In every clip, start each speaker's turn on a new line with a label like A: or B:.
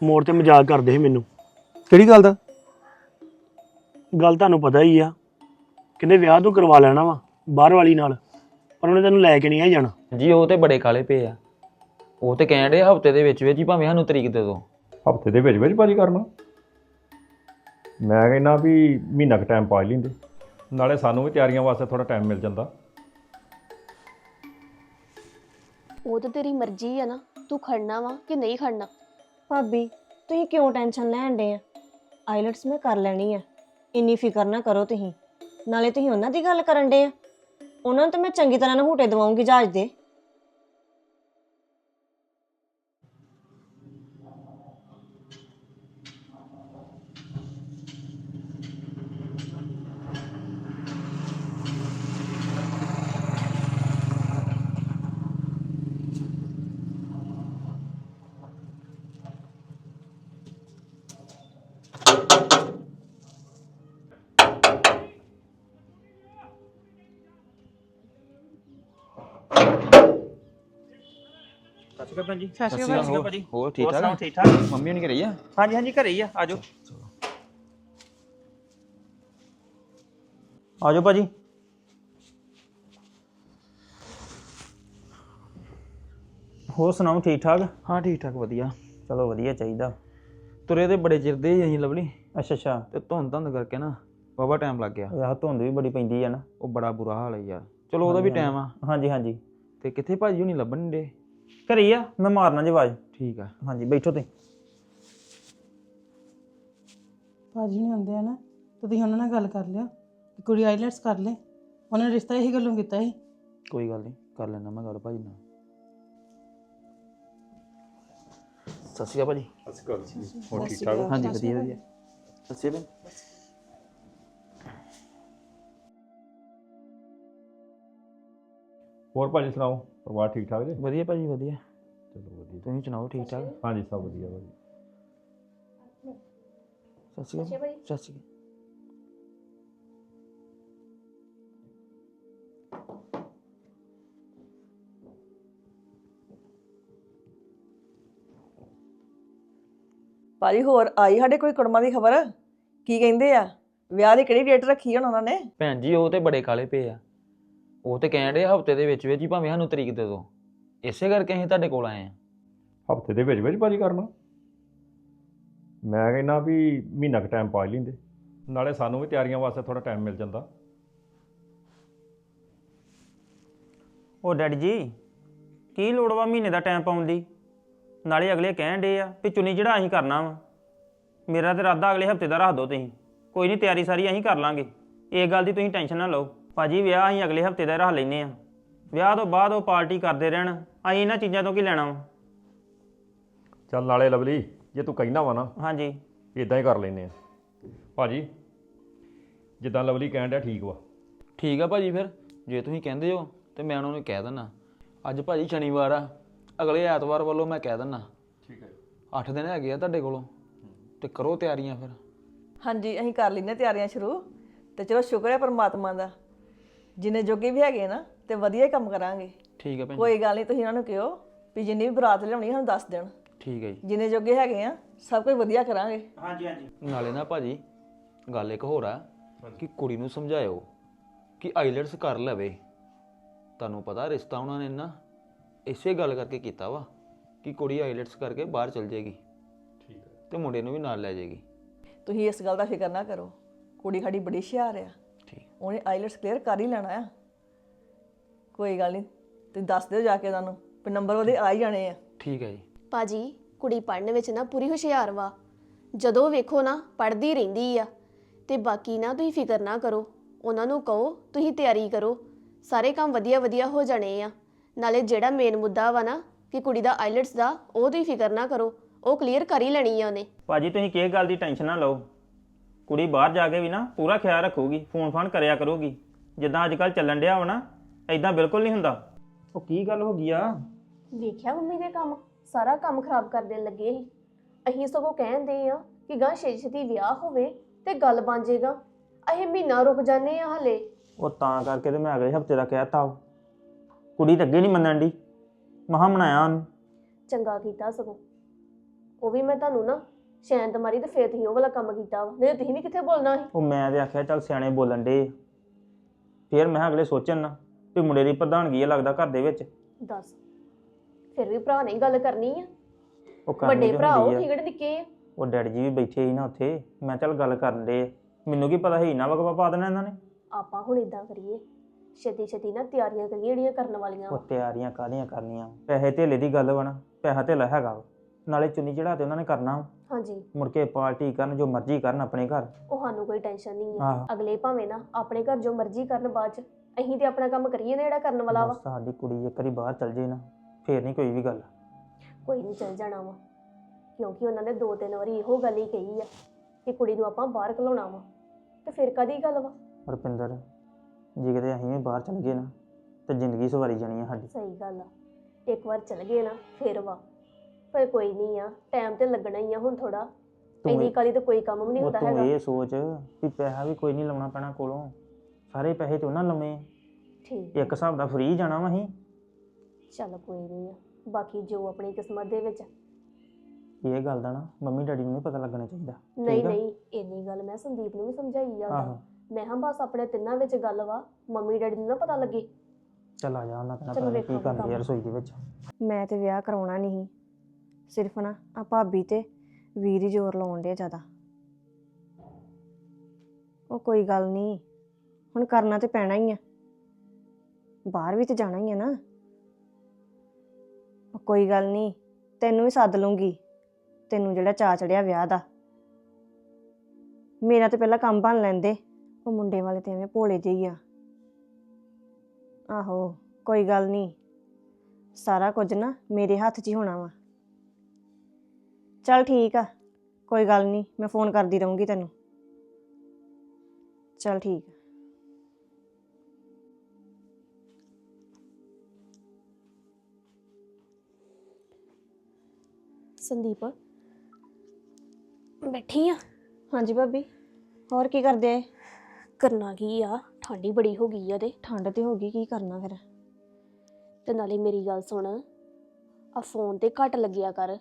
A: ਮੋੜ ਤੇ ਮਜ਼ਾਕ ਕਰਦੇ ਸੀ ਮੈਨੂੰ।
B: ਕਿਹੜੀ ਗੱਲ ਦਾ?
A: ਗੱਲ ਤੁਹਾਨੂੰ ਪਤਾ ਹੀ ਆ, ਕਹਿੰਦੇ ਵਿਆਹ ਤੋਂ ਕਰਵਾ ਲੈਣਾ ਵਾ ਬਾਹਰ ਵਾਲੀ ਨਾਲ, ਪਰ ਉਹਨੇ ਤੈਨੂੰ ਲੈ ਕੇ ਨਹੀਂ ਆ ਜਾਣਾ।
C: ਜੀ ਉਹ ਤੇ ਬੜੇ ਕਾਲੇ ਪਏ ਆ। ਉਹ ਤੇ ਕਹਿਣ ਡੇ ਹਫਤੇ ਦੇ ਵਿੱਚ ਹੀ ਭਾਵੇਂ ਸਾਨੂੰ ਤਰੀਕ ਦੇ ਦਿਓ।
D: ਹਫਤੇ ਦੇ ਵਿੱਚ ਭਾਜੀ ਕਰਨਾ? ਮੈਂ ਕਹਿੰਦਾ ਵੀ ਮਹੀਨਾ ਕੁ ਟਾਈਮ ਪਾ ਹੀ ਲੈਂਦੇ, ਨਾਲੇ ਸਾਨੂੰ ਵੀ ਤਿਆਰੀਆਂ ਵਾਸਤੇ ਥੋੜਾ ਟਾਈਮ ਮਿਲ ਜਾਂਦਾ।
E: ਉਹ ਤਾਂ ਤੇਰੀ ਮਰਜ਼ੀ ਆ ਨਾ, ਤੂੰ ਖੜਨਾ ਵਾ ਕਿ ਨਹੀਂ ਖੜਨਾ।
F: ਭਾਬੀ ਤੁਸੀਂ ਕਿਉਂ ਟੈਨਸ਼ਨ ਲੈਣ ਡੇ ਆ? ਆਈਲੈਟਸ ਮੈਂ ਕਰ ਲੈਣੀ ਆ, ਇੰਨੀ ਫਿਕਰ ਨਾ ਕਰੋ ਤੁਸੀਂ। ਨਾਲੇ ਤੁਸੀਂ ਉਹਨਾਂ ਦੀ ਗੱਲ ਕਰਨ ਡੇ ਆ, ਉਹਨਾਂ ਨੂੰ ਤਾਂ ਮੈਂ ਚੰਗੀ ਤਰ੍ਹਾਂ ਨਹੂਟੇ ਦਵਾਉਂਗੀ ਜਹਾਜ਼ ਦੇ।
C: ਸਤਿ ਸ਼੍ਰੀ ਅਕਾਲ ਭਾਜੀ। ਹੋਰ ਠੀਕ ਠਾਕ?
A: ਠੀਕ ਠਾਕ।
C: ਮੰਮੀ ਨਹੀਂ ਘਰੇ ਆ?
G: ਹਾਂਜੀ ਹਾਂਜੀ ਘਰੇ ਹੀ ਆ, ਆਜੋ ਆਜੋ ਭਾਜੀ। ਹੋਰ ਸੁਣਾਓ, ਠੀਕ ਠਾਕ?
C: ਹਾਂ ਠੀਕ ਠਾਕ ਵਧੀਆ।
G: ਚਲੋ ਵਧੀਆ ਚਾਹੀਦਾ।
C: ਤੁਰੇ ਤੇ ਬੜੇ ਚਿਰ ਦੇ ਹੀ ਅਸੀਂ ਲਵਲੀ,
G: ਅੱਛਾ ਅੱਛਾ।
C: ਤੇ ਧੁੰਦ ਕਰਕੇ ਨਾ ਵਾਹਵਾ ਟਾਈਮ ਲੱਗ ਗਿਆ।
G: ਆਹ ਧੁੰਦ ਵੀ ਬੜੀ ਪੈਂਦੀ ਆ ਨਾ।
C: ਉਹ ਬੜਾ ਬੁਰਾ ਹਾਲ ਹੈ ਯਾਰ। ਚਲੋ ਉਹਦਾ ਵੀ ਟਾਈਮ ਆ।
G: ਹਾਂਜੀ ਹਾਂਜੀ।
C: ਤੇ ਕਿੱਥੇ ਭਾਜੀ ਹੁਣੀ ਲੱਭਣ ਨੀ ਡੇ?
G: ਘਰੇ ਹੀ ਆ, ਮੈਂ ਮਾਰਨਾ ਜੀ ਆਵਾਜ਼।
C: ਠੀਕ ਆ।
G: ਹਾਂਜੀ ਬੈਠੋ ਤੁਸੀਂ।
H: ਭਾਜੀ ਨਹੀਂ ਆਉਂਦੇ ਆ ਨਾ, ਤੇ ਤੁਸੀਂ ਉਹਨਾਂ ਨਾਲ ਗੱਲ ਕਰ ਲਿਓ ਕਿ ਕੁੜੀ ਆਈਲੈਟਸ ਕਰ ਲੈ। ਉਹਨਾਂ ਨੇ ਰਿਸ਼ਤਾ ਇਹੀ ਗੱਲੋਂ ਕੀਤਾ ਸੀ।
C: ਕੋਈ ਗੱਲ ਨਹੀਂ, ਕਰ ਲੈਣਾ ਮੈਂ ਗੱਲ ਭਾਜੀ ਨਾਲ। ਸਤਿ ਸ਼੍ਰੀ ਅਕਾਲ ਭਾਜੀ।
D: ਹੋਰ ਠੀਕ ਠਾਕ?
C: ਹਾਂਜੀ ਵਧੀਆ ਵਧੀਆ। ਸਤਿ ਸ਼੍ਰੀ ਅਕਾਲ।
D: ਹੋਰ ਭਾਜੀ ਸੁਣਾਓ, ਪਰਿਵਾਰ ਠੀਕ ਠਾਕ ਜੀ?
C: ਵਧੀਆ ਭਾਜੀ ਵਧੀਆ।
D: ਚਲੋ ਵਧੀਆ।
C: ਤੁਸੀਂ ਸੁਣਾਓ ਠੀਕ ਠਾਕ?
D: ਹਾਂਜੀ ਸਭ ਵਧੀਆ ਭਾਜੀ।
C: ਸਤਿ ਸ਼੍ਰੀ ਅਕਾਲ। ਸਤਿ ਸ਼੍ਰੀ ਅਕਾਲ।
I: ਭਾਜੀ ਹੋਰ ਆਈ ਸਾਡੇ ਕੋਈ ਕੁੜਮਾਂ ਦੀ ਖਬਰ? ਕੀ ਕਹਿੰਦੇ ਆ? ਵਿਆਹ ਦੀ ਕਿਹੜੀ ਡੇਟ ਰੱਖੀ ਹੁਣ ਉਹਨਾਂ ਨੇ?
C: ਭੈਣ ਜੀ ਉਹ ਤੇ ਬੜੇ ਕਾਲੇ ਪਏ ਆ। ਉਹ ਤੇ ਕਹਿਣ ਡੇ ਹਫਤੇ ਦੇ ਵਿੱਚ ਹੀ ਭਾਵੇਂ ਸਾਨੂੰ ਤਰੀਕ ਦੇ ਦਿਓ। ਇਸੇ ਕਰਕੇ ਅਸੀਂ ਤੁਹਾਡੇ ਕੋਲ ਆਏ ਆ।
D: ਹਫਤੇ ਦੇ ਵਿੱਚ ਭਾਜੀ ਕਰਨਾ? ਮੈਂ ਕਹਿੰਦਾ ਵੀ ਮਹੀਨਾ ਕੁ ਟਾਈਮ ਪਾ ਹੀ ਲੈਂਦੇ, ਨਾਲੇ ਸਾਨੂੰ ਵੀ ਤਿਆਰੀਆਂ ਵਾਸਤੇ ਥੋੜਾ ਟਾਈਮ ਮਿਲ ਜਾਂਦਾ।
G: ਉਹ ਡੈਡੀ ਜੀ, ਕੀ ਲੋੜ ਵਾ ਮਹੀਨੇ ਦਾ ਟਾਈਮ ਪਾਉਣ ਦੀ? ਨਾਲੇ ਅਗਲੇ ਕਹਿਣ ਡੇ ਆ ਵੀ ਚੁੰਨੀ ਜਿਹੜਾ ਅਸੀਂ ਕਰਨਾ ਵਾ। ਮੇਰਾ ਤੇ ਇਰਾਦਾ ਅਗਲੇ ਹਫਤੇ ਦਾ ਰੱਖ ਦਿਓ ਤੁਸੀਂ। ਕੋਈ ਨਹੀਂ, ਤਿਆਰੀ ਸਾਰੀ ਅਸੀਂ ਕਰ ਲਾਂਗੇ। ਇਹ ਗੱਲ ਦੀ ਤੁਸੀਂ ਟੈਨਸ਼ਨ ਨਾ ਲਓ। ਭਾਜੀ ਵਿਆਹ ਅਸੀਂ ਅਗਲੇ ਹਫਤੇ ਦਾ ਰੱਖ ਲੈਂਦੇ ਆ। ਵਿਆਹ ਤੋਂ ਬਾਅਦ ਉਹ ਪਾਰਟੀ ਕਰਦੇ ਰਹਿਣ, ਅਸੀਂ ਇਹਨਾਂ ਚੀਜ਼ਾਂ ਤੋਂ ਕੀ ਲੈਣਾ ਵਾ।
D: ਚੱਲ ਨਾਲੇ ਲਵਲੀ, ਜੇ ਤੂੰ ਕਹਿਣਾ ਵਾ ਨਾ
G: ਹਾਂਜੀ
D: ਇਦਾਂ ਹੀ ਕਰ ਲੈਂਦੇ ਆ ਭਾਜੀ, ਜਿੱਦਾਂ ਲਵਲੀ ਕਹਿਣ ਡਿਆ ਠੀਕ ਵਾ।
C: ਠੀਕ ਆ ਭਾਜੀ, ਫਿਰ ਜੇ ਤੁਸੀਂ ਕਹਿੰਦੇ ਹੋ ਤੇ ਮੈਂ ਉਹਨਾਂ ਨੂੰ ਕਹਿ ਦਿੰਦਾ। ਅੱਜ ਭਾਜੀ ਸ਼ਨੀਵਾਰ ਆ, ਅਗਲੇ ਐਤਵਾਰ ਵੱਲੋਂ ਮੈਂ ਕਹਿ ਦਿੰਦਾ।
D: ਠੀਕ ਹੈ।
C: 8 ਦਿਨ ਹੈਗੇ ਆ ਤੁਹਾਡੇ ਕੋਲੋਂ, ਤੇ ਕਰੋ ਤਿਆਰੀਆਂ ਫਿਰ।
I: ਹਾਂਜੀ ਅਸੀਂ ਕਰ ਲੈਂਦੇ ਤਿਆਰੀਆਂ ਸ਼ੁਰੂ। ਤੇ ਚਲੋ ਸ਼ੁਕਰ ਹੈ ਪਰਮਾਤਮਾ ਦਾ, ਜਿੰਨੇ ਜੋਗੇ ਵੀ ਹੈਗੇ ਨਾ ਤੇ ਵਧੀਆ ਹੀ ਕੰਮ ਕਰਾਂਗੇ।
C: ਠੀਕ ਹੈ ਭੈਣ ਜੀ।
I: ਕੋਈ ਗੱਲ ਨਹੀਂ, ਤੁਸੀਂ ਉਹਨਾਂ ਨੂੰ ਕਿਹੋ ਵੀ ਜਿੰਨੀ ਵੀ ਬਰਾਤ ਲਿਆਉਣੀ ਸਾਨੂੰ ਦੱਸ ਦੇਣ।
C: ਠੀਕ ਹੈ ਜੀ।
I: ਜਿੰਨੇ ਜੋਗੇ ਹੈਗੇ ਆ ਸਭ ਕੁਝ ਵਧੀਆ ਕਰਾਂਗੇ।
G: ਹਾਂਜੀ ਹਾਂਜੀ।
C: ਨਾਲੇ ਨਾ ਭਾਜੀ ਗੱਲ ਇੱਕ ਹੋਰ ਆ ਕਿ ਕੁੜੀ ਨੂੰ ਸਮਝਾਇਓ ਕਿ ਆਈਲੈਟਸ ਕਰ ਲਵੇ। ਤੁਹਾਨੂੰ ਪਤਾ ਰਿਸ਼ਤਾ ਉਹਨਾਂ ਨੇ ਨਾ ਇਸੇ ਗੱਲ ਕਰਕੇ ਕੀਤਾ ਵਾ ਕਿ ਕੁੜੀ ਆਈਲੈਟਸ ਕਰਕੇ ਬਾਹਰ ਚਲ ਜਾਏਗੀ।
D: ਠੀਕ ਹੈ।
C: ਤੇ ਮੁੰਡੇ ਨੂੰ ਵੀ ਨਾਲ ਲੈ ਜਾਏਗੀ।
I: ਤੁਸੀਂ ਇਸ ਗੱਲ ਦਾ ਫਿਕਰ ਨਾ ਕਰੋ, ਕੁੜੀ ਸਾਡੀ ਬੜੀ ਹੁਸ਼ਿਆਰ ਆ।
C: ਠੀਕ।
I: ਉਹਨੇ ਆਈਲੈਟਸ ਕਲੀਅਰ ਕਰ ਹੀ ਲੈਣਾ ਆ। ਕੋਈ ਗੱਲ ਨਹੀਂ, ਤੁਸੀਂ ਦੱਸ ਦਿਓ ਜਾ ਕੇ ਉਹਨਾਂ ਨੂੰ ਵੀ ਨੰਬਰ ਉਹਦੇ ਆ ਹੀ ਜਾਣੇ ਆ।
C: ਠੀਕ ਹੈ ਜੀ।
E: ਭਾਜੀ ਕੁੜੀ ਪੜ੍ਹਨ ਵਿੱਚ ਨਾ ਪੂਰੀ ਹੁਸ਼ਿਆਰ ਵਾ। ਜਦੋਂ ਵੇਖੋ ਨਾ ਪੜ੍ਹਦੀ ਰਹਿੰਦੀ ਆ। ਤੇ ਬਾਕੀ ਨਾ ਤੁਸੀਂ ਫਿਕਰ ਨਾ ਕਰੋ, ਉਹਨਾਂ ਨੂੰ ਕਹੋ ਤੁਸੀਂ ਤਿਆਰੀ ਕਰੋ, ਸਾਰੇ ਕੰਮ ਵਧੀਆ ਵਧੀਆ ਹੋ ਜਾਣੇ ਆ। ਨਾਲੇ ਜਿਹੜਾ ਮੇਨ ਮੁੱਦਾ ਵਾ ਨਾ ਕਿ ਕੁੜੀ ਦਾ ਆਈਲੈਟਸ ਦਾ, ਉਹ ਤੁਸੀਂ ਫਿਕਰ ਨਾ ਕਰੋ, ਉਹ ਕਲੀਅਰ ਕਰ ਹੀ ਲੈਣੀ ਆ ਉਹਨੇ।
G: ਭਾਜੀ ਤੁਸੀਂ ਕਿਸ ਗੱਲ ਦੀ ਟੈਨਸ਼ਨ ਨਾ ਲਓ। ਕੁੜੀ ਬਾਹਰ ਜਾ ਕੇ ਵੀ ਨਾ ਪੂਰਾ ਖਿਆਲ ਰੱਖੂਗੀ, ਫੋਨ ਫਾਨ ਕਰਿਆ ਕਰੂਗੀ। ਜਿੱਦਾਂ ਅੱਜ ਕੱਲ੍ਹ ਚੱਲਣ ਡਿਆ ਵਾ ਨਾ, ਐਦਾਂ ਬਿਲਕੁਲ ਨਹੀਂ ਹੁੰਦਾ। ਉਹ ਕੀ ਗੱਲ ਹੋ ਗਈ ਆ?
E: ਵੇਖਿਆ ਮੰਮੀ ਦੇ ਕੰਮ, ਸਾਰਾ ਕੰਮ ਖਰਾਬ ਕਰ ਦੇਣ ਲੱਗੇ ਸੀ। ਅਸੀਂ ਸਗੋਂ ਕਹਿੰਦੇ ਆ ਕਿ ਗਾਂ ਛੇਤੀ ਵਿਆਹ ਹੋਵੇ ਤੇ ਗੱਲ ਬਣ ਜਾਏਗਾ। ਅਸੀਂ ਮਹੀਨਾ ਰੁਕ ਜਾਂਦੇ ਆ ਹਲੇ।
G: ਉਹ ਤਾਂ ਕਰਕੇ ਤੇ ਮੈਂ ਅਗਲੇ ਹਫਤੇ ਦਾ ਕਹਿਤਾ। ਕੁੜੀ ਤਾਂ ਅੱਗੇ ਨਹੀਂ ਮੰਨਣ ਦੀ, ਮਹਾਂ ਮਨਾਇਆ ਉਹਨੂੰ।
E: ਚੰਗਾ ਕੀਤਾ ਸਗੋਂ, ਉਹ ਵੀ ਮੈਂ ਤੁਹਾਨੂੰ ਨਾ ਸ਼ੈਂਤ ਮਾਰੀ ਤੇ ਫੇਰ ਤੁਸੀਂ ਉਹ ਵਾਲਾ ਕੰਮ ਕੀਤਾ ਵਾ ਨਹੀਂ ਤਾਂ ਤੁਸੀਂ ਵੀ ਕਿੱਥੇ ਬੋਲਣਾ ਸੀ।
G: ਉਹ ਮੈਂ ਤੇ ਆਖਿਆ ਚੱਲ ਸਿਆਣੇ ਬੋਲਣ ਦੇ, ਫਿਰ ਮੈਂ ਕਿਹਾ ਅਗਲੇ ਸੋਚਣ ਨਾ ਵੀ ਮੁੰਡੇ ਦੀ ਪ੍ਰਧਾਨਗੀ ਆ ਲੱਗਦਾ ਘਰ ਦੇ ਵਿੱਚ।
E: ਦੱਸ ਫਿਰ ਵੀ ਭਰਾ ਨੇ ਗੱਲ ਕਰਨੀ ਆ,
G: ਉਹ ਕਰਨੀ
E: ਵੱਡੇ
G: ਤੇ
E: ਭਰਾ ਉਹ
G: ਹੁੰਦੀ ਆ।
E: ਕਿਹੜੇ ਨਿੱਕੇ ਆ।
G: ਉਹ ਡੈਡੀ ਜੀ ਵੀ ਬੈਠੇ ਸੀ ਨਾ ਉੱਥੇ, ਮੈਂ ਚੱਲ ਗੱਲ ਕਰਨ ਦੇ, ਮੈਨੂੰ ਕੀ ਪਤਾ ਸੀ ਇੰਨਾ ਵਕਵਾ ਪਾ ਦੇਣਾ ਇਹਨਾਂ ਨੇ।
E: ਆਪਾਂ ਹੁਣ ਇਦਾਂ ਕਰੀਏ, ਛੇਤੀ ਛੇਤੀ ਨਾ ਤਿਆਰੀਆਂ ਕਰੀਏ ਜਿਹੜੀਆਂ ਕਰਨ ਵਾਲੀਆਂ
G: ਉਹ
E: ਵਾ।
G: ਤਿਆਰੀਆਂ ਕਾਹਦੀਆਂ ਕਰਨੀਆਂ, ਪੈਸੇ ਧੇਲੇ ਦੀ ਗੱਲ ਵਾ ਨਾ, ਪੈਸਾ ਧੇਲਾ ਹੈਗਾ ਵਾ, ਨਾਲੇ ਚੁੰਨੀ ਚੜਾ ਤੇ ਉਹਨਾਂ ਨੇ ਕਰਨਾ ਵਾ।
E: ਹਾਂਜੀ
G: ਮੁੜ ਕੇ ਪਾਰਟੀ ਕਰਨ ਜੋ ਮਰਜ਼ੀ ਕਰਨ ਆਪਣੇ ਘਰ।
E: ਉਹ ਸਾਨੂੰ ਕੋਈ ਟੈਨਸ਼ਨ ਨਹੀਂ
G: ਆਹੋ।
E: ਹੈ, ਅਗਲੇ ਭਾਵੇਂ ਨਾ ਆਪਣੇ ਘਰ ਜੋ ਮਰਜ਼ੀ ਕਰਨ ਬਾਅਦ ਚ ਅਸੀਂ ਤੇ ਆਪਣਾ ਕੰਮ ਕਰੀਏ ਨਾ ਜਿਹੜਾ ਕਰਨ ਵਾਲਾ ਵਾ।
G: ਬਸ ਸਾਡੀ ਕੁੜੀ ਇੱਕ ਵਾਰੀ ਬਾਹਰ ਚਲ ਜੇ ਨਾ, ਫੇਰ ਨਹੀਂ ਕੋਈ ਵੀ ਗੱਲ।
E: ਕੋਈ ਨਹੀਂ ਚੱਲ ਜਾਣਾ ਵਾ, ਕਿਉਂਕਿ ਉਹਨਾਂ ਨੇ 2-3 ਵਾਰੀ ਇਹੋ ਗੱਲ ਹੀ ਕਹੀ ਆ ਕਿ ਕੁੜੀ ਨੂੰ ਆਪਾਂ ਬਾਹਰ ਘਲਾਉਣਾ ਵਾ, ਤੇ ਫਿਰ ਕਦੀ ਗੱਲ ਵਾ।
G: ਰੁਪਿੰਦਰ, ਜੇ ਕਿਤੇ ਅਸੀਂ ਵੀ ਬਾਹਰ ਚਲ ਗਏ ਨਾ ਤੇ ਜ਼ਿੰਦਗੀ ਸਵਾਰੀ ਜਾਣੀ ਆ ਸਾਡੀ।
E: ਸਹੀ ਗੱਲ ਆ, ਇੱਕ ਵਾਰ ਚਲ ਗਏ ਨਾ ਫਿਰ ਵਾ, ਪਰ ਕੋਈ ਨਹੀਂ ਆ, ਟਾਈਮ ਤੇ ਲੱਗਣਾ ਹੀ ਆ ਹੁਣ ਥੋੜਾ। ਇੰਨੀ ਕਾਲੀ ਤਾਂ ਕੋਈ ਕੰਮ ਵੀ ਨਹੀਂ
G: ਉਹ
E: ਹੁੰਦਾ
G: ਤੂੰ
E: ਹੈਗਾ।
G: ਇਹ ਸੋਚ ਵੀ ਪੈਸਾ ਵੀ ਕੋਈ ਨਹੀਂ ਲਾਉਣਾ ਪੈਣਾ ਕੋਲੋਂ, ਸਾਰੇ ਪੈਸੇ ਤੇ ਉਹਨਾਂ ਲਾਉਣੇ।
E: ਠੀਕ
G: ਇੱਕ ਹਿਸਾਬ ਦਾ ਫ੍ਰੀ ਜਾਣਾ ਵਾ ਅਸੀਂ।
E: ਚੱਲ ਕੋਈ ਨਹੀਂ ਆ, ਬਾਕੀ ਜੋ ਆਪਣੀ ਕਿਸਮਤ ਦੇ ਵਿੱਚ।
G: ਇਹ ਗੱਲ ਦਾ ਨਾ ਮੰਮੀ ਡੈਡੀ ਨੂੰ ਨਹੀਂ ਪਤਾ ਲੱਗਣਾ ਚਾਹੀਦਾ।
E: ਨਹੀਂ
G: ਠੀਕ ਆ?
E: ਨਹੀਂ ਇੰਨੀ ਗੱਲ ਮੈਂ ਸੰਦੀਪ ਨੂੰ ਵੀ ਸਮਝਾਈ ਆ
G: ਆਹੋ।
E: ਉਹਦਾ। ਮੈਂ ਹਾਂ ਬਸ ਆਪਣੇ ਤਿੰਨਾਂ ਵਿੱਚ ਗੱਲ ਵਾ, ਮੰਮੀ ਡੈਡੀ ਨੂੰ ਨਾ ਪਤਾ ਲੱਗੇ।
G: ਚੱਲ ਆ ਜਾ, ਉਹਨਾਂ ਕਹਿਣਾ
E: ਚਲੋ
G: ਪਤਾ ਨੀ ਕੀ
E: ਵੇਖਾਂਗੇ
G: ਕਰਦੀ ਆ
E: ਕੰਮ।
G: ਰਸੋਈ ਦੇ ਵਿੱਚ।
F: ਮੈਂ ਤੇ ਵਿਆਹ ਕਰਾਉਣਾ ਨਹੀਂ, ਸਿਰਫ ਨਾ ਆ ਭਾਬੀ ਤੇ ਵੀਰ ਹੀ ਜ਼ੋਰ ਲਾਉਣ ਦੇ ਜ਼ਿਆਦਾ। ਉਹ ਕੋਈ ਗੱਲ ਨਹੀਂ, ਹੁਣ ਕਰਨਾ ਤੇ ਪੈਣਾ ਹੀ ਆ, ਬਾਹਰ ਵੀ ਤੇ ਜਾਣਾ ਹੀ ਆ ਨਾ। ਉਹ ਕੋਈ ਗੱਲ ਨਹੀਂ, ਤੈਨੂੰ ਵੀ ਸੱਦ ਲੂੰਗੀ, ਤੈਨੂੰ ਜਿਹੜਾ ਚਾਅ ਚੜਿਆ ਵਿਆਹ ਦਾ। ਮੇਰਾ ਤੇ ਪਹਿਲਾਂ ਕੰਮ ਬਣ ਲੈਂਦੇ, ਉਹ ਮੁੰਡੇ ਵਾਲੇ ਤੇ ਐਵੇਂ ਭੋਲੇ ਜਿਹੇ ਆ। ਆਹੋ ਕੋਈ ਗੱਲ ਨਹੀਂ, ਸਾਰਾ ਕੁਝ ਨਾ ਮੇਰੇ ਹੱਥ 'ਚ ਹੀ ਹੋਣਾ ਵਾ। ਚੱਲ ਠੀਕ ਆ, ਕੋਈ ਗੱਲ ਨਹੀਂ, ਮੈਂ ਫੋਨ ਕਰਦੀ ਰਹੂੰਗੀ ਤੈਨੂੰ। ਚੱਲ ਠੀਕ ਆ।
E: ਸੰਦੀਪ ਬੈਠੀ ਆ।
F: ਹਾਂਜੀ ਭਾਬੀ, ਹੋਰ ਕੀ ਕਰਦੇ ਆਏ?
E: ਕਰਨਾ ਕੀ ਆ, ਠੰਡੀ ਬੜੀ ਹੋ ਗਈ ਆ ਤੇ
F: ਠੰਡ ਤੇ ਹੋ ਗਈ, ਕੀ ਕਰਨਾ ਫਿਰ?
E: ਤੇ ਨਾਲੇ ਮੇਰੀ ਗੱਲ ਸੁਣ, ਆ ਫੋਨ ਤੇ ਘੱਟ ਲੱਗਿਆ ਕਰ।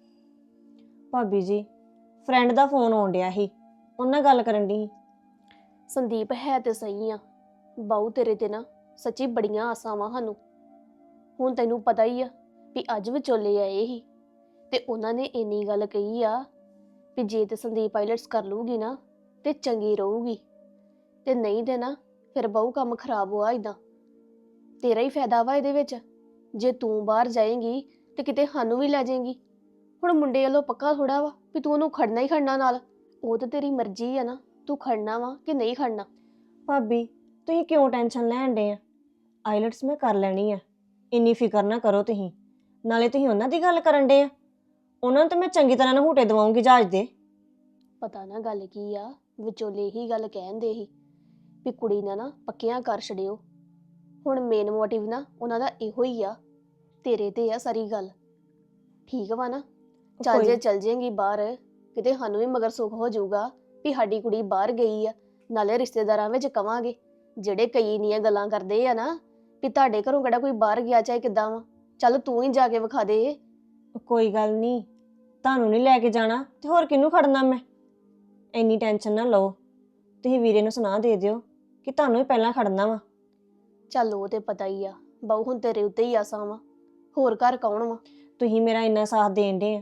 F: ਭਾਬੀ ਜੀ, ਫਰੈਂਡ ਦਾ ਫੋਨ ਆਉਣ ਡਿਆ ਸੀ, ਉਹਨਾਂ ਨਾਲ ਗੱਲ ਕਰਨ ਦੀ।
E: ਸੰਦੀਪ ਹੈ ਤੇ ਸਹੀ ਆ, ਬਾਊ ਤੇਰੇ ਤੇ ਨਾ ਸੱਚੀ ਬੜੀਆਂ ਆਸਾਂ ਵਾ ਸਾਨੂੰ। ਹੁਣ ਤੈਨੂੰ ਪਤਾ ਹੀ ਆ ਵੀ ਅੱਜ ਵਿਚੋਲੇ ਆਏ ਸੀ ਤੇ ਉਹਨਾਂ ਨੇ ਇੰਨੀ ਗੱਲ ਕਹੀ ਆ ਵੀ ਜੇ ਤੇ ਸੰਦੀਪ ਆਈਲੈਟਸ ਕਰ ਲੂਗੀ ਨਾ ਤੇ ਚੰਗੀ ਰਹੂਗੀ, ਤੇ ਨਹੀਂ ਤੇ ਨਾ ਫਿਰ ਬਾਊ ਕੰਮ ਖਰਾਬ ਹੋਆ। ਇਦਾਂ ਤੇਰਾ ਹੀ ਫਾਇਦਾ ਵਾ ਇਹਦੇ ਵਿੱਚ, ਜੇ ਤੂੰ ਬਾਹਰ ਜਾਏਂਗੀ ਤੇ ਕਿਤੇ ਸਾਨੂੰ ਵੀ ਲੈ ਜਾਏਂਗੀ। ਹੁਣ ਮੁੰਡੇ ਵੱਲੋਂ ਪੱਕਾ ਥੋੜਾ ਵਾ ਵੀ ਤੂੰ ਉਹਨੂੰ ਖੜਨਾ ਹੀ ਖੜਨਾ ਨਾਲ, ਉਹ ਤਾਂ ਤੇਰੀ ਮਰਜ਼ੀ ਆ ਨਾ, ਤੂੰ ਖੜਨਾ ਵਾ ਕਿ ਨਹੀਂ ਖੜਨਾ।
F: ਭਾਬੀ ਤੁਸੀਂ ਕਿਉਂ ਟੈਨਸ਼ਨ ਲੈਣ ਡੇ ਆ? ਆਈਲੈਟਸ ਮੈਂ ਕਰ ਲੈਣੀ ਆ, ਇੰਨੀ ਫਿਕਰ ਨਾ ਕਰੋ ਤੁਸੀਂ। ਨਾਲੇ ਤੁਸੀਂ ਉਹਨਾਂ ਦੀ ਗੱਲ ਕਰਨ ਡੇ ਆ, ਉਹਨਾਂ ਨੂੰ ਤਾਂ ਮੈਂ ਚੰਗੀ ਤਰ੍ਹਾਂ ਨਹੂਟੇ ਦਵਾਉਂਗੀ ਜਹਾਜ਼ ਦੇ।
E: ਪਤਾ ਨਾ ਗੱਲ ਕੀ ਆ, ਵਿਚੋਲੇ ਹੀ ਗੱਲ ਕਹਿੰਦੇ ਸੀ ਵੀ ਕੁੜੀ ਨੇ ਨਾ ਪੱਕੀਆਂ ਕਰ ਛੜਿਓ। ਹੁਣ ਮੇਨ ਮੋਟਿਵ ਨਾ ਉਹਨਾਂ ਦਾ ਇਹੋ ਹੀ ਆ, ਤੇਰੇ ਤੇ ਆ ਸਾਰੀ ਗੱਲ। ਠੀਕ ਵਾ ਨਾ? ਚੱਲ ਜੇ ਚੱਲ ਜੇਂਗੀ ਬਾਹਰ, ਕਿਤੇ ਸਾਨੂੰ ਵੀ ਮਗਰ ਸੁੱਖ ਹੋ ਜਾਊਗਾ ਵੀ ਸਾਡੀ ਕੁੜੀ ਬਾਹਰ ਗਈ ਆ। ਨਾਲੇ ਰਿਸ਼ਤੇਦਾਰਾਂ ਵਿੱਚ ਕਵਾਂਗੇ, ਜਿਹੜੇ ਕਈ ਇੰਨੀਆਂ ਗੱਲਾਂ ਕਰਦੇ ਆ ਨਾ ਵੀ ਤੁਹਾਡੇ ਘਰੋਂ ਕਿਹੜਾ ਕੋਈ ਬਾਹਰ ਗਿਆ ਚਾਹੇ ਕਿੱਦਾਂ ਵਾ, ਚੱਲ ਤੂੰ ਹੀ ਜਾ ਕੇ ਵਿਖਾ ਦੇ।
F: ਕੋਈ ਗੱਲ ਨਹੀਂ, ਤੁਹਾਨੂੰ ਨਹੀਂ ਲੈ ਕੇ ਜਾਣਾ ਤੇ ਹੋਰ ਕਿਹਨੂੰ ਖੜਨਾ ਮੈਂ? ਇੰਨੀ ਟੈਨਸ਼ਨ ਨਾ ਲਓ, ਤੁਸੀਂ ਵੀਰੇ ਨੂੰ ਸੁਣਾ ਦੇ ਦਿਓ ਕਿ ਤੁਹਾਨੂੰ ਹੀ ਪਹਿਲਾਂ ਖੜਨਾ ਵਾ।
E: ਚੱਲ ਉਹ ਤੇ ਪਤਾ ਹੀ ਆ ਬਾਊ, ਹੁਣ ਤੇਰੇ ਉੱਤੇ ਹੀ ਆਸਾਂ ਵਾ, ਹੋਰ ਘਰ ਕੌਣ ਵਾ?
F: ਤੁਸੀਂ ਮੇਰਾ ਇੰਨਾ ਸਾਥ ਦੇਣ ਡੇ ਆ,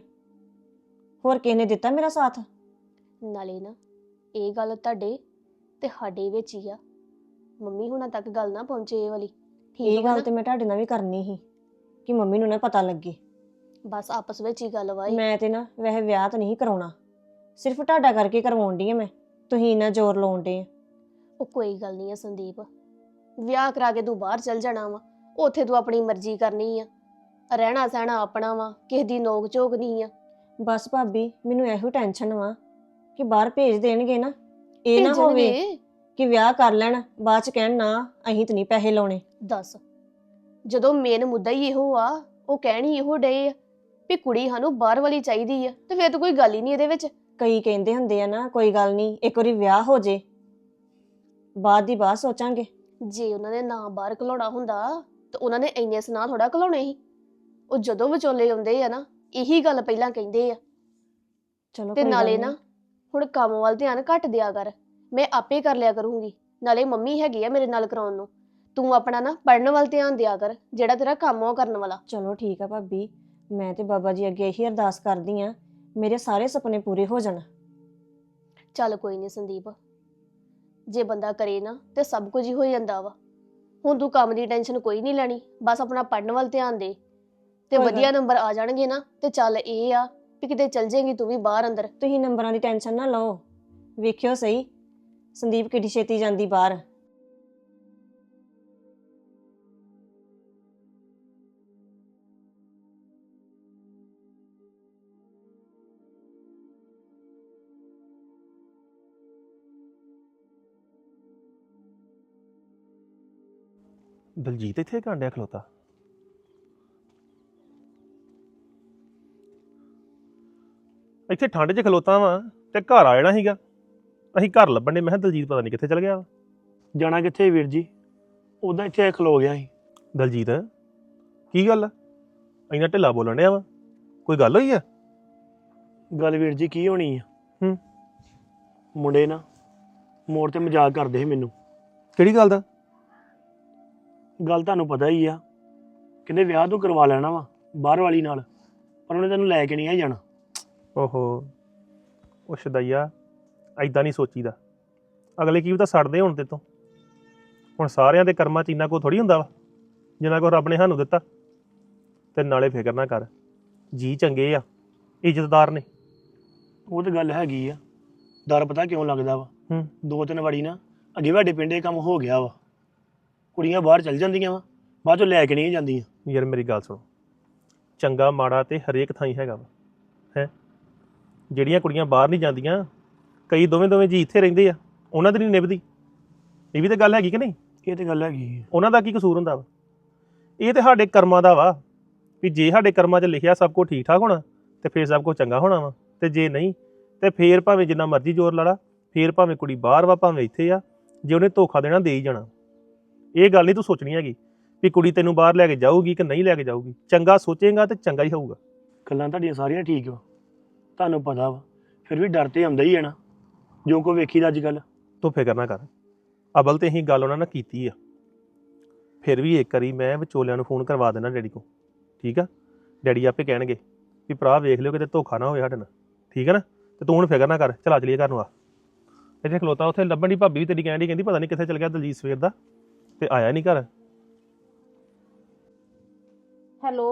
F: ਹੋਰ ਕਿਸੇ ਨੇ ਦਿੱਤਾ ਮੇਰਾ ਸਾਥ?
E: ਨਾਲੇ ਨਾ ਇਹ ਗੱਲ ਤੁਹਾਡੇ ਤੇ ਸਾਡੇ ਵਿੱਚ ਹੀ ਆ, ਮੰਮੀ ਹੁਣਾਂ ਤੱਕ ਗੱਲ ਨਾ ਪਹੁੰਚੇ ਇਹ ਵਾਲੀ।
F: ਇਹ
E: ਠੀਕ ਵਾ
F: ਗੱਲ
E: ਨਾ?
F: ਤੇ ਮੈਂ ਤੁਹਾਡੇ ਨਾਲ ਵੀ ਕਰਨੀ ਸੀ ਕਿ ਮੰਮੀ ਨੂੰ ਨਾ ਪਤਾ ਲੱਗੇ।
E: ਬਸ ਆਪਸ ਵਿੱਚ ਹੀ ਗੱਲ ਵਾਈ।
F: ਮੈਂ ਤੇ ਨਾ ਵੈਸੇ ਵਿਆਹ ਤਾਂ ਨਹੀਂ ਕਰਾਉਣਾ, ਸਿਰਫ ਤੁਹਾਡਾ ਕਰਕੇ ਕਰਵਾਉਣ ਡਈ ਆ ਮੈਂ, ਤੁਸੀਂ ਇੰਨਾ ਜ਼ੋਰ ਲਾਉਣ ਡੇ ਆ।
E: ਉਹ ਕੋਈ ਗੱਲ ਨਹੀਂ ਆ ਸੰਦੀਪ, ਵਿਆਹ ਕਰਾ ਕੇ ਤੂੰ ਬਾਹਰ ਚੱਲ ਜਾਣਾ ਵਾ, ਉੱਥੇ ਤੂੰ ਆਪਣੀ ਮਰਜ਼ੀ ਕਰਨੀ ਆ, ਰਹਿਣਾ ਸਹਿਣਾ ਆਪਣਾ ਵਾ, ਕਿਸੇ ਦੀ ਨੋਕ ਝੋਕ ਨਹੀਂ ਆ।
F: ਬਸ ਭਾਬੀ ਮੈਨੂੰ ਇਹੋ ਟੈਨਸ਼ਨ ਵਾ ਕਿ ਬਾਹਰ ਭੇਜ ਦੇਣਗੇ ਨਾ, ਇਹ ਨਾ ਹੋਵੇ
E: ਭੇਜਣਗੇ?
F: ਕਿ ਵਿਆਹ ਕਰ ਲੈਣ ਬਾਅਦ ਚ ਕਹਿਣ ਨਾ ਅਸੀਂ ਤਾਂ ਨਹੀਂ ਪੈਸੇ ਲਾਉਣੇ।
E: ਦੱਸ, ਜਦੋਂ ਮੇਨ ਮੁੱਦਾ ਹੀ ਇਹੋ ਆ, ਉਹ ਕਹਿਣੀ ਇਹੋ ਡੇ ਆ ਵੀ ਕੁੜੀ ਸਾਨੂੰ ਬਾਹਰ ਵਾਲੀ ਚਾਹੀਦੀ ਆ, ਤੇ ਫਿਰ ਤਾਂ ਕੋਈ ਗੱਲ ਹੀ ਨਹੀਂ ਇਹਦੇ ਵਿੱਚ।
F: ਕਈ ਕਹਿੰਦੇ ਹੁੰਦੇ ਆ ਨਾ ਕੋਈ ਗੱਲ ਨਹੀਂ, ਇੱਕ ਵਾਰੀ ਵਿਆਹ ਹੋ ਜੇ ਬਾਅਦ ਦੀ ਬਾਤ ਸੋਚਾਂਗੇ।
E: ਜੇ ਉਹਨਾਂ ਨੇ ਨਾ ਬਾਹਰ ਘਲਾਉਣਾ ਹੁੰਦਾ ਤਾਂ ਉਹਨਾਂ ਨੇ ਇੰਨੇ ਸੁਨਾਹ ਥੋੜਾ ਘਲਾਉਣੇ ਸੀ। ਉਹ ਜਦੋਂ ਵਿਚੋਲੇ ਆਉਂਦੇ ਆ ਨਾ, ਇਹੀ ਗੱਲ ਪਹਿਲਾਂ ਕਹਿੰਦੇ ਆ
F: ਚਲੋ
E: ਤੇ
F: ਕੋਈ ਗੱਲ
E: ਨਾਲੇ
F: ਨੀ।
E: ਨਾ ਹੁਣ ਕੰਮ ਵੱਲ ਧਿਆਨ ਘੱਟ ਦਿਆ ਕਰ, ਮੈਂ ਆਪੇ ਕਰ ਲਿਆ ਕਰੂੰਗੀ। ਨਾਲੇ ਮੰਮੀ ਹੈਗੀ ਆ ਮੇਰੇ ਨਾਲ ਕਰਾਉਣ ਨੂੰ। ਤੂੰ ਆਪਣਾ ਨਾ ਪੜਨ ਵੱਲ ਧਿਆਨ ਦਿਆ ਕਰ, ਜਿਹੜਾ ਤੇਰਾ ਕੰਮ ਆ ਉਹ ਕਰਨ ਵਾਲਾ।
F: ਚਲੋ ਠੀਕ ਆ ਭਾਬੀ, ਮੈਂ ਤੇ ਬਾਬਾ ਜੀ ਅੱਗੇ ਇਹੀ ਅਰਦਾਸ ਕਰਦੀ ਆ ਮੇਰੇ ਸਾਰੇ ਸੁਪਨੇ ਪੂਰੇ ਹੋ ਜਾਣ।
E: ਚੱਲ ਕੋਈ ਨਹੀਂ ਸੰਦੀਪ, ਜੇ ਬੰਦਾ ਕਰੇ ਨਾ ਤੇ ਸਭ ਕੁਝ ਹੀ ਹੋ ਜਾਂਦਾ ਵਾ। ਹੁਣ ਤੂੰ ਕੰਮ ਦੀ ਟੈਨਸ਼ਨ ਕੋਈ ਨਹੀਂ ਲੈਣੀ, ਬਸ ਆਪਣਾ ਪੜਨ ਵੱਲ ਧਿਆਨ ਦੇ ਤੇ
F: ਕੋਈ
E: ਵਧੀਆ ਨੰਬਰ ਆ ਜਾਣਗੇ ਨਾ ਤੇ ਚੱਲ ਇਹ ਆ ਵੀ ਕਿਤੇ ਚੱਲ ਜਾਏਗੀ ਤੂੰ ਵੀ ਬਾਹਰ ਅੰਦਰ।
F: ਤੁਸੀਂ ਨੰਬਰਾਂ ਦੀ ਟੈਨਸ਼ਨ ਨਾ ਲਓ, ਵੇਖਿਓ ਸਹੀ ਸੰਦੀਪ ਕਿੱਡੀ ਛੇਤੀ ਜਾਂਦੀ ਬਾਹਰ।
B: ਦਲਜੀਤ ਇੱਥੇ ਕਾਂਡਿਆ ਖਲੋਤਾ। ਇੱਥੇ ਠੰਡ 'ਚ ਖਲੋਤਾ ਵਾਂ ਤੇ ਘਰ ਆ ਜਾਣਾ ਸੀਗਾ। ਅਸੀਂ ਘਰ ਲੱਭਣ ਦੇ, ਮੈਂ ਕਿਹਾ ਦਲਜੀਤ ਪਤਾ ਨਹੀਂ ਕਿੱਥੇ ਚਲ ਗਿਆ ਵਾ।
A: ਜਾਣਾ ਕਿੱਥੇ ਵੀਰ ਜੀ, ਉਦਾਂ ਇੱਥੇ ਖਲੋ ਗਿਆ ਸੀ।
B: ਦਲਜੀਤ ਕੀ ਗੱਲ ਆ? ਇੰਨਾ ਢਿੱਲਾ ਬੋਲਣ ਡਿਆ ਵਾ, ਕੋਈ ਗੱਲ ਹੋਈ ਆ?
A: ਗੱਲ ਵੀਰ ਜੀ ਕੀ ਹੋਣੀ ਆ,
B: ਹੂੰ।
A: ਮੁੰਡੇ ਨਾ ਮੋੜ ਤੇ ਮਜ਼ਾਕ ਕਰਦੇ ਸੀ ਮੈਨੂੰ।
B: ਕਿਹੜੀ ਗੱਲ ਦਾ?
A: ਗੱਲ ਤੁਹਾਨੂੰ ਪਤਾ ਹੀ ਆ, ਕਹਿੰਦੇ ਵਿਆਹ ਤੂੰ ਕਰਵਾ ਲੈਣਾ ਵਾ ਬਾਹਰ ਵਾਲੀ ਨਾਲ, ਪਰ ਉਹਨੇ ਤੈਨੂੰ ਲੈ ਕੇ ਨਹੀਂ ਆ ਜਾਣਾ।
B: ਓਹੋ, ਉਹ ਸ਼ਦਈਆ, ਐਦਾਂ ਨਹੀਂ ਸੋਚੀਦਾ। ਅਗਲੇ ਕੀ ਤਾਂ ਸੜਦੇ ਹੁਣ ਤੇ ਤੋਂ। ਹੁਣ ਸਾਰਿਆਂ ਦੇ ਕਰਮਾਂ 'ਚ ਇੰਨਾ ਕੋ ਥੋੜੀ ਹੁੰਦਾ ਵਾ ਜਿੰਨਾ ਕੋ ਰੱਬ ਨੇ ਸਾਨੂੰ ਦਿੱਤਾ। ਤੇ ਨਾਲੇ ਫਿਕਰ ਨਾ ਕਰ, ਜੀ ਚੰਗੇ ਆ, ਇੱਜ਼ਤਦਾਰ ਨੇ।
A: ਉਹ ਤਾਂ ਗੱਲ ਹੈਗੀ ਆ, ਡਰ ਪਤਾ ਕਿਉਂ ਲੱਗਦਾ ਵਾ,
B: ਹੂੰ।
A: 2-3 ਵਾਰੀ ਨਾ ਅੱਗੇ ਸਾਡੇ ਪਿੰਡ ਇਹ ਕੰਮ ਹੋ ਗਿਆ ਵਾ। ਕੁੜੀਆਂ ਬਾਹਰ ਚੱਲ ਜਾਂਦੀਆਂ ਵਾ, ਬਾਅਦ ਚੋਂ ਲੈ ਕੇ ਨਹੀਂ ਜਾਂਦੀਆਂ।
B: ਯਾਰ ਮੇਰੀ ਗੱਲ ਸੁਣੋ, ਚੰਗਾ ਮਾੜਾ ਤੇ ਹਰੇਕ ਥਾਂ ਹੀ ਹੈਗਾ ਵਾ ਹੈ। ਜਿਹੜੀਆਂ ਕੁੜੀਆਂ ਬਾਹਰ ਨਹੀਂ ਜਾਂਦੀਆਂ, ਕਈ ਦੋਵੇਂ ਜੀ ਇੱਥੇ ਰਹਿੰਦੇ ਆ, ਉਹਨਾਂ ਦੀ ਨਹੀਂ ਨਿਭਦੀ। ਇਹ ਵੀ ਤਾਂ ਗੱਲ ਹੈਗੀ ਕਿ ਨਹੀਂ?
A: ਇਹ ਤਾਂ ਗੱਲ ਹੈਗੀ ਆ।
B: ਉਹਨਾਂ ਦਾ ਕੀ ਕਸੂਰ ਹੁੰਦਾ ਵਾ? ਇਹ ਤੇ ਸਾਡੇ ਕਰਮਾਂ ਦਾ ਵਾ ਵੀ ਜੇ ਸਾਡੇ ਕਰਮਾਂ 'ਚ ਲਿਖਿਆ ਸਭ ਕੁਝ ਠੀਕ ਠਾਕ ਹੋਣਾ ਤੇ ਫੇਰ ਸਭ ਕੁਝ ਚੰਗਾ ਹੋਣਾ ਵਾ, ਤੇ ਜੇ ਨਹੀਂ ਤੇ ਫੇਰ ਭਾਵੇਂ ਜਿੰਨਾ ਮਰਜ਼ੀ ਜ਼ੋਰ ਲਾ ਲਾ, ਫੇਰ ਭਾਵੇਂ ਕੁੜੀ ਬਾਹਰ ਵਾ ਭਾਵੇਂ ਇੱਥੇ ਆ, ਜੇ ਉਹਨੇ ਧੋਖਾ ਦੇਣਾ ਦੇ ਹੀ ਜਾਣਾ। ਇਹ ਗੱਲ ਨਹੀਂ ਤੂੰ ਸੋਚਣੀ ਹੈਗੀ ਵੀ ਕੁੜੀ ਤੈਨੂੰ ਬਾਹਰ ਲੈ ਕੇ ਜਾਊਗੀ ਕਿ ਨਹੀਂ ਲੈ ਕੇ ਜਾਊਗੀ। ਚੰਗਾ ਸੋਚੇਗਾ ਤੇ ਚੰਗਾ ਹੀ ਹੋਊਗਾ।
A: ਗੱਲਾਂ ਤੁਹਾਡੀਆਂ ਸਾਰੀਆਂ ਠੀਕ ਵਾ, ਤੁਹਾਨੂੰ ਪਤਾ ਵਾ, ਫਿਰ ਵੀ ਡਰ ਤੇ ਆਉਂਦਾ ਹੀ ਹੈ ਨਾ, ਜੋ ਕੋ ਵੇਖੀਦਾ ਅੱਜ ਕੱਲ੍ਹ।
B: ਤੂੰ ਫਿਕਰ ਨਾ ਕਰ, ਅਬਲ ਤੇ ਅਸੀਂ ਗੱਲ ਉਹਨਾਂ ਨਾਲ ਕੀਤੀ ਆ। ਫਿਰ ਵੀ ਇੱਕ ਵਾਰੀ ਮੈਂ ਵਿਚੋਲਿਆਂ ਨੂੰ ਫੋਨ ਕਰਵਾ ਦੇਣਾ ਡੈਡੀ ਕੋਲ, ਠੀਕ ਆ? ਡੈਡੀ ਆਪੇ ਕਹਿਣਗੇ ਵੀ ਭਰਾ ਵੇਖ ਲਿਓ ਕਿਤੇ ਧੋਖਾ ਨਾ ਹੋਵੇ ਸਾਡੇ ਨਾਲ, ਠੀਕ ਹੈ ਨਾ? ਤੇ ਤੂੰ ਹੁਣ ਫਿਕਰ ਨਾ ਕਰ, ਚਲਾ ਚਲੀਏ ਘਰ ਨੂੰ। ਆ ਇੱਥੇ ਖਲੋਤਾ, ਉੱਥੇ ਲੱਭਣ ਦੀ ਭਾਬੀ ਵੀ ਤੇਰੀ ਕਹਿਣ ਦੀ, ਕਹਿੰਦੀ ਪਤਾ ਨਹੀਂ ਕਿੱਥੇ ਚਲ ਗਿਆ ਦਲਜੀਤ ਸਵੇਰ ਦਾ ਤੇ ਆਇਆ ਨਹੀਂ ਘਰ।
J: ਹੈਲੋ,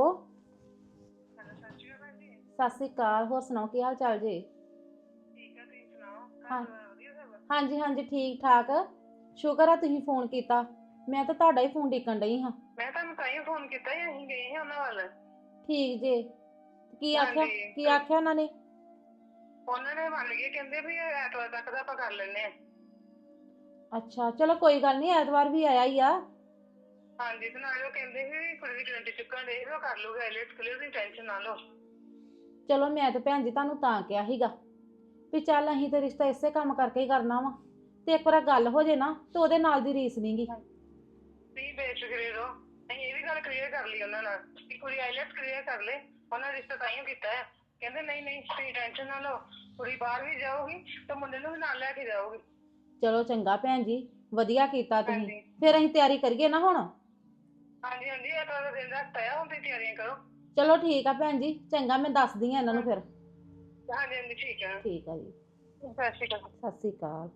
J: ਸਤਿ ਸ਼੍ਰੀ ਅਕਾਲ। ਹੋਰ ਸੁਣਾਓ ਕੀ ਹਾਲ ਚਾਲ ਜੀ?
K: ਠੀਕ ਆ, ਤੁਸੀਂ ਸੁਣਾਓ?
J: ਹਾਂ।
K: ਵਧੀਆ ਸਭ?
J: ਹਾਂਜੀ ਹਾਂਜੀ ਠੀਕ ਠਾਕ। ਸ਼ੁਕਰ ਆ ਤੁਸੀਂ ਫੋਨ ਕੀਤਾ, ਮੈਂ ਤਾਂ ਤੁਹਾਡਾ ਹੀ ਫੋਨ ਡਿੱਕਣ ਡਈ ਹਾਂ।
K: ਮੈਂ ਤੁਹਾਨੂੰ ਤਾਂ ਹੀ ਫੋਨ ਕੀਤਾ ਸੀ, ਅਸੀਂ ਗਏ ਸੀ ਉਹਨਾਂ ਵੱਲ।
J: ਠੀਕ ਜੇ, ਕੀ ਆਖਿਆ?
K: ਹਾਂਜੀ।
J: ਕੀ ਆਖਿਆ ਉਹਨਾਂ ਨੇ?
K: ਉਹਨਾਂ ਨੇ ਮੰਨ ਗਏ, ਕਹਿੰਦੇ ਵੀ ਐਤਵਾਰ ਤੱਕ ਦਾ ਆਪਾਂ ਕਰ ਲੈਂਦੇ ਆ।
J: ਅੱਛਾ ਚਲੋ ਕੋਈ ਗੱਲ ਨਹੀਂ, ਐਤਵਾਰ ਵੀ ਆਇਆ ਹੀ ਆ।
K: ਹਾਂਜੀ, ਤੇ ਨਾਲੇ ਉਹ ਕਹਿੰਦੇ ਵੀ ਕੁੜੀ ਦੀ ਗਰੰਟੀ ਚੁੱਕਣ ਦੇ ਉਹ ਕਰ ਲੂਗਾ, ਆਈਲੈਟਸ ਕਲੀਅਰ ਦੀ ਟੈਨਸ਼ਨ ਨਾ ਲਓ।
J: ਚਲੋ ਮੈਂ ਤਾਂ ਭੈਣ ਜੀ ਤੁਹਾਨੂੰ ਤਾਂ ਕਿਹਾ ਸੀਗਾ ਵੀ ਚੱਲ ਅਸੀਂ ਤੇ ਰਿਸ਼ਤਾ ਇਸੇ ਕੰਮ ਕਰਕੇ ਹੀ ਕਰਨਾ ਵਾ, ਤੇ ਇੱਕ ਵਾਰ ਗੱਲ ਹੋ ਜੇ ਨਾ ਤੇ ਉਹਦੇ ਨਾਲ ਦੀ ਰੀਸ ਨਹੀਂਗੀ।
K: ਤੁਸੀਂ ਬੇਫਿਕਰੇ ਰਹੋ, ਅਸੀਂ ਇਹ ਵੀ ਗੱਲ ਕਲੀਅਰ ਕਰ ਲਈ ਉਹਨਾਂ ਨਾਲ ਕਿ ਕੁੜੀ ਆਈਲੈਟਸ ਕਲੀਅਰ ਕਰ ਲੇ। ਉਹਨਾਂ ਨੇ ਰਿਸ਼ਤਾ ਤਾਂ ਹੀ ਕੀਤਾ ਹੈ, ਕਹਿੰਦੇ ਨਹੀਂ ਤੁਸੀਂ ਟੈਨਸ਼ਨ ਨਾ ਲਓ, ਕੁੜੀ ਬਾਹਰ ਵੀ ਜਾਊਗੀ ਤੇ ਮੁੰਡੇ ਨੂੰ ਵੀ ਨਾਲ ਲੈ ਕੇ ਜਾਊਗੀ।
J: ਚਲੋ ਚੰਗਾ ਭੈਣ ਜੀ, ਵਧੀਆ ਕੀਤਾ ਤੁਸੀਂ।
K: ਹਾਂਜੀ।
J: ਫਿਰ ਅਸੀਂ ਤਿਆਰੀ ਕਰੀਏ ਨਾ ਹੁਣ।
K: ਹਾਂਜੀ ਐਤਵਾਰ ਦਾ ਦਿਨ ਰੱਖਤਾ ਆ, ਹੁਣ ਤੁਸੀਂ ਤਿਆਰੀਆਂ ਕਰੋ।
J: ਚਲੋ ਠੀਕ ਆ ਭੈਣ ਜੀ, ਚੰਗਾ ਮੈਂ ਦੱਸਦੀ ਆ ਇਹਨਾਂ ਨੂੰ ਫਿਰ।
K: ਹਾਂਜੀ ਠੀਕ ਆ।
J: ਠੀਕ ਆ ਜੀ,
K: ਸਤਿ ਸ਼੍ਰੀ ਅਕਾਲ।
J: ਸਤਿ ਸ੍ਰੀ ਅਕਾਲ।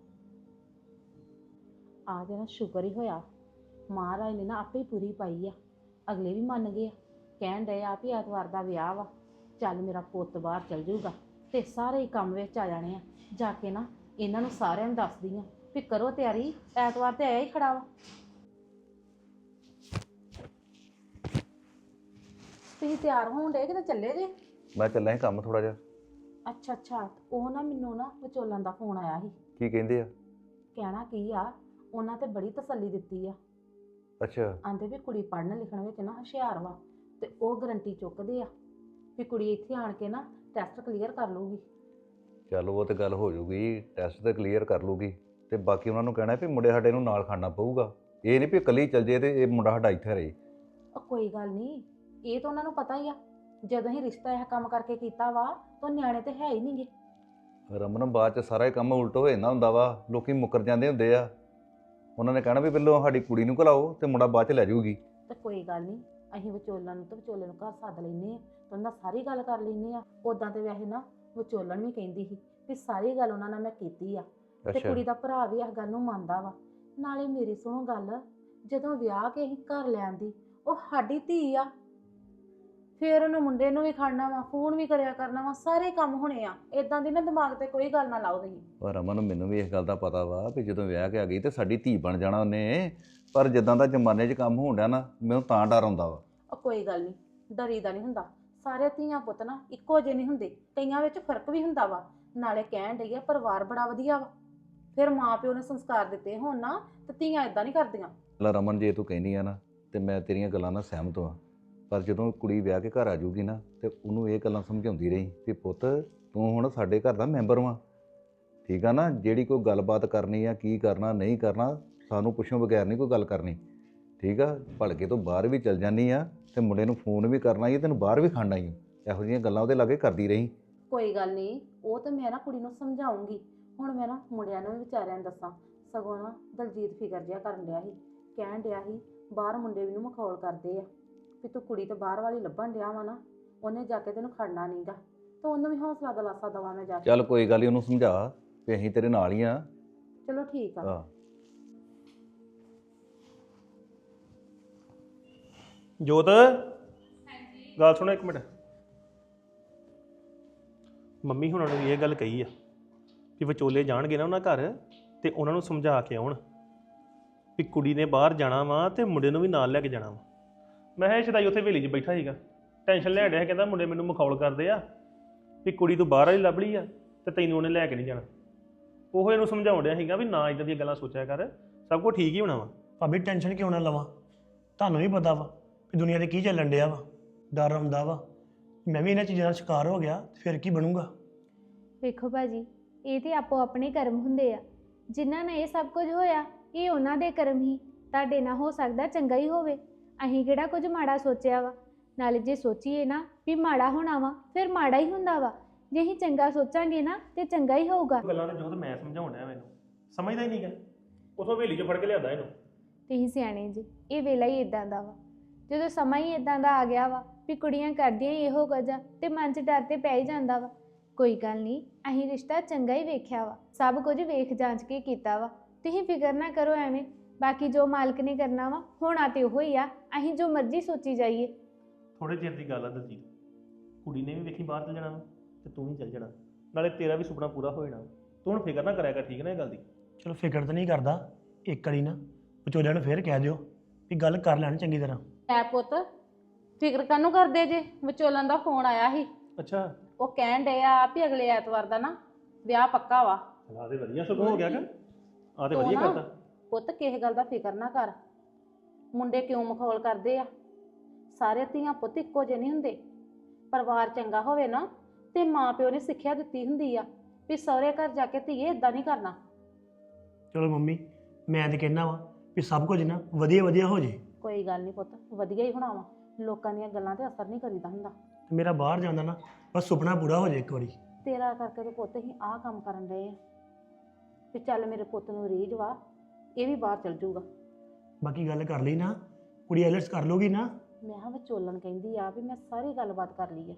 J: ਆ ਜੇ ਨਾ ਸ਼ੁਕਰ ਹੀ ਹੋਇਆ, ਮਹਾਰਾਜ ਨੇ ਨਾ ਆਪੇ ਹੀ ਪੂਰੀ ਪਾਈ ਆ। ਅਗਲੇ ਵੀ ਮੰਨ ਗਏ ਆ, ਕਹਿਣ ਡਏ ਆ ਵੀ ਐਤਵਾਰ ਦਾ ਵਿਆਹ ਵਾ, ਚੱਲ ਮੇਰਾ ਪੁੱਤ ਬਾਹਰ ਚਲ ਜਾਊਗਾ ਤੇ ਸਾਰੇ ਹੀ ਕੰਮ ਵਿੱਚ ਆ ਜਾਣੇ ਆ। ਜਾ ਕੇ ਨਾ ਇਹਨਾਂ ਨੂੰ ਸਾਰਿਆਂ ਨੂੰ ਦੱਸਦੀ ਆ ਵੀ ਕਰੋ ਤਿਆਰੀ, ਐਤਵਾਰ ਤੇ ਆਇਆ ਹੀ ਖੜਾ ਵਾ। ਤੁਸੀਂ ਤਿਆਰ ਹੋਣ ਡੇ ਕਿਤੇ ਚੱਲੇ ਜੇ?
C: ਮੈਂ ਚੱਲਿਆ ਸੀ ਕੰਮ ਥੋੜਾ ਜਿਹਾ।
J: ਅੱਛਾ ਅੱਛਾ, ਉਹ ਨਾ ਮੈਨੂੰ ਨਾ ਵਿਚੋਲਨ ਦਾ ਫੋਨ ਆਇਆ ਸੀ।
C: ਕੀ ਕਹਿੰਦੇ ਆ?
J: ਕਹਿਣਾ ਕੀ ਆ, ਉਹਨਾਂ ਤੇ ਬੜੀ ਤਸੱਲੀ ਦਿੱਤੀ ਆ।
C: ਅੱਛਾ।
J: ਆਂਦੇ ਵੀ ਕੁੜੀ ਪੜ੍ਹਨ ਲਿਖਣ ਵਿੱਚ ਨਾ ਹੁਸ਼ਿਆਰ ਵਾ, ਤੇ ਉਹ ਗਰੰਟੀ ਚੁੱਕਦੇ ਆ ਵੀ ਕੁੜੀ ਇੱਥੇ ਆਣ ਕੇ ਨਾ ਟੈਸਟ ਕਲੀਅਰ ਕਰ ਲੂਗੀ।
C: ਚੱਲ ਉਹ ਤੇ ਗੱਲ ਹੋ ਜੂਗੀ, ਟੈਸਟ ਤੇ ਕਲੀਅਰ ਕਰ ਲੂਗੀ, ਤੇ ਬਾਕੀ ਉਹਨਾਂ ਨੂੰ ਕਹਿਣਾ ਵੀ ਮੁੰਡੇ ਸਾਡੇ ਨੂੰ ਨਾਲ ਖਾਣਾ ਪਊਗਾ। ਇਹ ਨਹੀਂ ਵੀ ਇਕੱਲੀ ਚੱਲ ਜੇ ਤੇ ਇਹ ਮੁੰਡਾ ਸਾਡਾ ਇੱਥੇ ਰਹੇ।
J: ਉਹ ਕੋਈ ਗੱਲ ਨਹੀਂ, ਇਹ ਤਾਂ ਉਹਨਾਂ ਨੂੰ ਪਤਾ ਹੀ ਆ, ਜਦੋਂ ਹੀ ਰਿਸ਼ਤਾ ਇਹ ਕੰਮ ਕਰਕੇ ਕੀਤਾ ਵਾ ਤਾਂ ਨਿਆਣੇ ਤੇ ਹੈ ਹੀ ਨਹੀਂਗੇ।
L: ਰਮਨ ਬਾਅਦ ਚ ਸਾਰਾ ਹੀ ਕੰਮ ਉਲਟ ਹੋ ਜਾਂਦਾ ਹੁੰਦਾ ਵਾ, ਲੋਕੀ ਮੁੱਕਰ ਜਾਂਦੇ ਹੁੰਦੇ ਆ। ਉਹਨਾਂ ਨੇ ਕਹਿਣਾ ਵੀ ਪਹਿਲਾਂ ਸਾਡੀ ਕੁੜੀ ਨੂੰ ਘਲਾਓ ਤੇ ਮੁੰਡਾ ਬਾਅਦ ਚ ਲੈ ਜਾਊਗੀ।
J: ਤੇ ਕੋਈ ਗੱਲ ਨਹੀਂ, ਅਸੀਂ ਵਿਚੋਲਣ ਨੂੰ ਤੇ ਵਿਚੋਲੇ ਨੂੰ ਘਰ ਸੱਦ ਲੈਨੇ ਆ ਤੇ ਉਹਨਾਂ ਨਾਲ ਸਾਰੀ ਗੱਲ ਕਰ ਲੈਨੇ ਆ। ਉਦਾਂ ਤੇ ਵੈਸੇ ਨਾ ਵਿਚੋਲਣ ਵੀ ਕਹਿੰਦੀ ਸੀ ਵੀ ਸਾਰੀ ਗੱਲ ਉਹਨਾਂ ਨਾਲ ਮੈਂ ਕੀਤੀ ਆ ਤੇ ਕੁੜੀ ਦਾ ਭਰਾ ਵੀ ਇਸ ਗੱਲ ਨੂੰ ਮੰਨਦਾ ਵਾ। ਨਾਲੇ ਮੇਰੀ ਸੁਣੋ ਗੱਲ, ਜਦੋਂ ਵਿਆਹ ਕੇ ਅਸੀਂ ਘਰ ਲਿਆਂਦੀ, ਉਹ ਸਾਡੀ ਧੀ ਆ, ਫੇਰ ਉਹਨੂੰ ਮੁੰਡੇ ਨੂੰ ਵੀ ਖੜਨਾ ਵਾ, ਫੋਨ ਵੀ ਕਰਿਆ ਕਰਨਾ ਵਾ, ਸਾਰੇ ਕੰਮ ਹੋਣੇ ਆ। ਇਦਾਂ ਦੀ ਨਾ ਦਿਮਾਗ ਤੇ ਕੋਈ ਗੱਲ ਨਾ ਲਾਓ ਤੁਸੀਂ।
L: ਪਰ ਰਮਨ ਮੈਨੂੰ ਵੀ ਇਸ ਗੱਲ ਦਾ ਪਤਾ ਵਾ ਵੀ ਜਦੋਂ ਵਿਆਹ ਕੇ ਆ ਗਈ ਤੇ ਸਾਡੀ ਧੀ ਬਣ ਜਾਣਾ ਉਹਨੇ, ਪਰ ਜਿੱਦਾਂ ਦਾ ਜ਼ਮਾਨੇ 'ਚ ਕੰਮ ਹੋਣ ਡਿਆ ਨਾ, ਮੈਨੂੰ ਤਾਂ ਡਰ ਆਉਂਦਾ ਵਾ।
J: ਉਹ ਕੋਈ ਗੱਲ ਨਹੀਂ, ਡਰੀਦਾ ਨਹੀਂ ਹੁੰਦਾ। ਸਾਰੇ ਧੀਆਂ ਪੁੱਤ ਨਾ ਇੱਕੋ ਜਿਹੇ ਨਹੀਂ ਹੁੰਦੇ, ਕਈਆਂ ਵਿੱਚ ਫਰਕ ਵੀ ਹੁੰਦਾ ਵਾ। ਨਾਲੇ ਕਹਿਣ ਡਈ ਆ ਪਰਿਵਾਰ ਬੜਾ ਵਧੀਆ ਵਾ, ਫਿਰ ਮਾਂ ਪਿਓ ਨੇ ਸੰਸਕਾਰ ਦਿੱਤੇ ਹੋਣ ਨਾ ਤੇ ਧੀਆਂ ਇਦਾਂ ਨਹੀਂ ਕਰਦੀਆਂ।
L: ਲੈ ਰਮਨ, ਜੇ ਤੂੰ ਕਹਿੰਦੀ ਆ ਨਾ ਤੇ ਮੈਂ ਤੇਰੀਆਂ ਗੱਲਾਂ ਨਾਲ ਸਹਿਮਤ ਹਾਂ, ਪਰ ਜਦੋਂ ਕੁੜੀ ਵਿਆਹ ਕੇ ਘਰ ਆ ਜਾਊਗੀ ਨਾ ਤੇ ਉਹਨੂੰ ਇਹ ਗੱਲਾਂ ਸਮਝਾਉਂਦੀ ਰਹੀ ਕਿ ਪੁੱਤ ਤੂੰ ਹੁਣ ਸਾਡੇ ਘਰ ਦਾ ਮੈਂਬਰ ਵਾਂ, ਠੀਕ ਆ ਨਾ। ਜਿਹੜੀ ਕੋਈ ਗੱਲਬਾਤ ਕਰਨੀ ਆ, ਕੀ ਕਰਨਾ ਨਹੀਂ ਕਰਨਾ, ਸਾਨੂੰ ਪੁੱਛੋਂ ਬਗੈਰ ਨਹੀਂ ਕੋਈ ਗੱਲ ਕਰਨੀ, ਠੀਕ ਆ। ਭਲਕੇ ਤੋਂ ਬਾਹਰ ਵੀ ਚਲ ਜਾਂਦੀ ਆ ਤੇ ਮੁੰਡੇ ਨੂੰ ਫੋਨ ਵੀ ਕਰਨਾ ਹੀ, ਤੈਨੂੰ ਬਾਹਰ ਵੀ ਖੜਨਾ ਹੀ, ਇਹੋ ਜਿਹੀਆਂ ਗੱਲਾਂ ਉਹਦੇ ਲਾਗੇ ਕਰਦੀ ਰਹੀ।
J: ਕੋਈ ਗੱਲ ਨਹੀਂ, ਉਹ ਤਾਂ ਮੈਂ ਨਾ ਕੁੜੀ ਨੂੰ ਸਮਝਾਉਂਗੀ। ਹੁਣ ਮੈਂ ਨਾ ਮੁੰਡਿਆਂ ਨੂੰ ਵੀ ਵਿਚਾਰਿਆਂ ਨੂੰ ਦੱਸਾਂ। ਸਗੋਂ ਨਾ ਦਲਜੀਤ ਫਿਕਰ ਜਿਹਾ ਕਰਨ ਡਿਆ ਸੀ, ਕਹਿਣ ਡਿਆ ਸੀ ਬਾਹਰ ਮੁੰਡੇ ਵੀ ਨੂੰ ਮਖੌਲ ਕਰਦੇ ਆ ਵੀ ਤੂੰ ਕੁੜੀ ਤੇ ਬਾਹਰ ਵਾਲੀ ਲੱਭਣ ਡਿਆ ਵਾ ਨਾ, ਉਹਨੇ ਜਾ ਕੇ ਤੈਨੂੰ ਖੜਨਾ ਨਹੀਂਗਾ। ਤਾਂ ਉਹਨੂੰ ਵੀ ਹੌਸਲਾ ਦਿਲਾਸਾ ਦਵਾ ਮੈਂ ਜਾ ਕੇ।
L: ਚੱਲ ਕੋਈ ਗੱਲ ਨਹੀਂ, ਉਹਨੂੰ ਸਮਝਾ ਵੀ ਅਸੀਂ ਤੇਰੇ ਨਾਲ ਹੀ ਆ।
J: ਚਲੋ ਠੀਕ ਆ।
B: ਜੋਤ, ਗੱਲ ਸੁਣੋ ਇੱਕ ਮਿੰਟ। ਮੰਮੀ ਹੁਣਾਂ ਨੂੰ ਵੀ ਇਹ ਗੱਲ ਕਹੀ ਆ ਕਿ ਵਿਚੋਲੇ ਜਾਣਗੇ ਨਾ ਉਹਨਾਂ ਘਰ ਤੇ ਉਹਨਾਂ ਨੂੰ ਸਮਝਾ ਕੇ ਆਉਣ ਵੀ ਕੁੜੀ ਨੇ ਬਾਹਰ ਜਾਣਾ ਵਾ ਤੇ ਮੁੰਡੇ ਨੂੰ ਵੀ ਨਾਲ ਲੈ ਕੇ ਜਾਣਾ ਵਾ। ਮੈਂ ਕਿਹਾ ਸ਼ਦਾਈ ਉੱਥੇ ਹਵੇਲੀ 'ਚ ਬੈਠਾ ਸੀਗਾ, ਟੈਨਸ਼ਨ ਲੈ ਰਿਹਾ, ਕਹਿੰਦਾ ਮੁੰਡੇ ਮੈਨੂੰ ਮਖੌਲ ਕਰਦੇ ਆ ਵੀ ਕੁੜੀ ਤੂੰ ਬਾਹਰ ਵਾਲੀ ਲੱਭ ਲਈ ਆ ਤੇ ਤੈਨੂੰ ਉਹਨੇ ਲੈ ਕੇ ਨਹੀਂ ਜਾਣਾ। ਉਹ ਇਹਨੂੰ ਸਮਝਾਉਣ ਡਿਆ ਸੀਗਾ ਵੀ ਨਾ ਇਦਾਂ ਦੀਆਂ ਗੱਲਾਂ ਸੋਚਿਆ ਕਰ, ਸਭ ਕੁਝ ਠੀਕ ਹੀ ਹੋਣਾ ਵਾ।
A: ਭਾਬੀ ਟੈਨਸ਼ਨ ਕਿਉਂ ਨਾ ਲਵਾਂ, ਤੁਹਾਨੂੰ ਵੀ ਪਤਾ ਵਾ ਵੀ ਦੁਨੀਆ 'ਤੇ ਕੀ ਚੱਲਣ ਡਿਆ ਵਾ, ਡਰ ਆਉਂਦਾ ਵਾ। ਮੈਂ ਵੀ ਇਹਨਾਂ ਚੀਜ਼ਾਂ ਦਾ ਸ਼ਿਕਾਰ ਹੋ ਗਿਆ ਫਿਰ ਕੀ ਬਣੂਗਾ।
M: ਵੇਖੋ ਭਾਜੀ, ਇਹ ਤੇ ਆਪੋ ਆਪਣੇ ਕਰਮ ਹੁੰਦੇ ਆ। ਜਿਨ੍ਹਾਂ ਨਾਲ ਇਹ ਸਭ ਕੁਝ ਹੋਇਆ ਇਹ ਉਹਨਾਂ ਦੇ ਕਰਮ ਹੀ। ਤੁਹਾਡੇ ਨਾਲ ਹੋ ਸਕਦਾ ਚੰਗਾ ਹੀ ਹੋਵੇ, ਅਸੀਂ ਕਿਹੜਾ ਕੁਝ ਮਾੜਾ ਸੋਚਿਆ ਵਾ। ਨਾਲੇ ਜੇ ਸੋਚੀਏ ਨਾ ਵੀ ਮਾੜਾ ਹੋਣਾ ਵਾ, ਫਿਰ ਮਾੜਾ ਹੀ ਹੁੰਦਾ ਵਾ। ਜੇ ਅਸੀਂ ਚੰਗਾ ਸੋਚਾਂਗੇ ਨਾ ਤੇ ਚੰਗਾ ਹੀ ਹੋਊਗਾ।
B: ਗੱਲਾਂ ਨੇ ਜੋ ਮੈਂ ਸਮਝਾਉਣ ਡਿਆ ਮੈਨੂੰ ਸਮਝਦਾ ਹੀ ਨਹੀਂ ਗਾ, ਉਥੋਂ ਹਵੇਲੀ 'ਚ ਫੜ ਕੇ ਲਿਆਂਦਾ ਇਹਨੂੰ।
M: ਤੁਸੀਂ ਸਿਆਣੇ ਜੀ, ਇਹ ਵੇਲਾ ਹੀ ਇਦਾਂ ਦਾ ਵਾ। ਜਦੋਂ ਸਮਾਂ ਹੀ ਇਦਾਂ ਦਾ ਆ ਗਿਆ ਵਾ ਵੀ ਕੁੜੀਆਂ ਕਰਦੀਆਂ ਹੀ ਇਹੋ ਕੁਝ ਆ ਤੇ ਮਨ 'ਚ ਡਰ ਤੇ ਪੈ ਹੀ ਜਾਂਦਾ ਵਾ। ਕੋਈ ਗੱਲ ਨਹੀਂ, ਅਸੀਂ ਰਿਸ਼ਤਾ ਚੰਗਾ ਹੀ ਵੇਖਿਆ ਵਾ, ਸਭ ਕੁਝ ਵੇਖ ਜਾਂਚ ਕੇ ਕੀਤਾ ਵਾ। ਤੁਸੀਂ ਫਿਕਰ ਨਾ ਕਰੋ ਐਵੇਂ, ਬਾਕੀ ਜੋ ਮਾਲਕ ਨੇ ਕਰਨਾ ਵਾ ਹੋਣਾ ਤੇ ਉਹ ਹੀ ਆ। ਅਸੀਂ ਜੋ ਮਰਜ਼ੀ ਸੋਚੀ ਜਾਈਏ।
B: ਥੋੜੇ ਚਿਰ ਦੀ ਗੱਲ ਆ ਦਲਜੀਤ, ਕੁੜੀ ਨੇ ਵੀ ਵੇਖੀ ਬਾਹਰ ਚਲ ਜਾਣਾ ਤੇ ਤੂੰ ਵੀ ਚਲ ਜਾਣਾ, ਨਾਲੇ ਤੇਰਾ ਵੀ ਸੁਪਨਾ ਪੂਰਾ ਹੋ ਜਾਣਾ। ਤੂੰ ਹੁਣ ਫਿਕਰ ਨਾ ਕਰਿਆ ਕਰ, ਠੀਕ ਨਾ ਇਹ ਗੱਲ ਦੀ।
A: ਚਲੋ ਫਿਕਰ ਤਾਂ ਨਹੀਂ ਕਰਦਾ, ਇੱਕ ਵਾਰੀ ਨਾ ਵਿਚੋਲਿਆਂ ਨੂੰ ਫੇਰ ਕਹਿ ਦਿਓ ਵੀ ਗੱਲ ਕਰ ਲੈਣ ਚੰਗੀ ਤਰ੍ਹਾਂ।
J: ਐ ਪੁੱਤ ਫਿਕਰ ਕਾਹਨੂੰ ਕਰਦੇ ਜੇ? ਵਿਚੋਲਨ ਦਾ ਫੋਨ ਆਇਆ ਸੀ।
B: ਅੱਛਾ,
J: ਉਹ ਕਹਿਣ ਡਏ ਆ ਵੀ ਅਗਲੇ ਐਤਵਾਰ ਦਾ ਨਾ ਵਿਆਹ ਪੱਕਾ ਵਾ।
B: ਆ ਤੇ ਵਧੀਆ ਸਗੋਂ ਹੋ ਗਿਆ ਕਿ ਆ ਤੇ ਵਧੀਆ ਕਰਤਾ।
J: ਪੁੱਤ ਕਿਸੇ ਗੱਲ ਦਾ ਫਿਕਰ ਨਾ ਕਰ। ਮੁੰਡੇ ਕਿਉਂ ਮਖੌਲ ਕਰਦੇ ਆ? ਸਾਰੇ ਧੀਆਂ ਪੁੱਤ ਇੱਕੋ ਜਿਹੇ ਨਹੀਂ ਹੁੰਦੇ। ਪਰਿਵਾਰ ਚੰਗਾ ਹੋਵੇ ਨਾ ਤੇ ਮਾਂ ਪਿਓ ਨੇ ਸਿੱਖਿਆ ਦਿੱਤੀ ਹੁੰਦੀ ਆ ਵੀ ਸਹੁਰੇ ਘਰ ਜਾ ਕੇ ਧੀਏ ਇਦਾਂ ਨਹੀਂ ਕਰਨਾ।
A: ਚਲੋ ਮੰਮੀ, ਮੈਂ ਤਾਂ ਕਹਿਣਾ ਵਾ ਵੀ ਸਭ ਕੁਝ ਨਾ ਵਧੀਆ ਵਧੀਆ ਹੋ ਜੇ।
J: ਕੋਈ ਗੱਲ ਨਹੀਂ ਪੁੱਤ, ਵਧੀਆ ਹੀ ਹੋਣਾ ਵਾ। ਲੋਕਾਂ ਦੀਆਂ ਗੱਲਾਂ ਤੇ ਅਸਰ ਨਹੀਂ ਕਰੀਦਾ ਹੁੰਦਾ।
A: ਤੇ ਮੇਰਾ ਬਾਹਰ ਜਾਂਦਾ ਨਾ ਬਸ ਸੁਪਨਾ ਪੂਰਾ ਹੋ ਜੇ ਇੱਕ ਵਾਰੀ।
J: ਤੇਰਾ ਕਰਕੇ ਤੇ ਪੁੱਤ ਹੀ ਆਹ ਕੰਮ ਕਰਨ ਡਏ ਆ ਤੇ ਚੱਲ ਮੇਰੇ ਪੁੱਤ ਨੂੰ ਰੀਝ ਵਾ, ਇਹ ਵੀ ਬਾਹਰ ਚਲ ਜਾਊਗਾ।
A: ਬਾਕੀ ਗੱਲ ਕਰ ਲਈ ਨਾ, ਕੁੜੀ ਆਈਲੈਟਸ ਕਰ ਲੂਗੀ ਨਾ।
J: ਮੈਂ ਕਿਹਾ ਵਿਚੋਲਣ ਕਹਿੰਦੀ ਆ ਵੀ ਮੈਂ ਸਾਰੀ ਗੱਲਬਾਤ ਕਰ ਲਈ ਆ।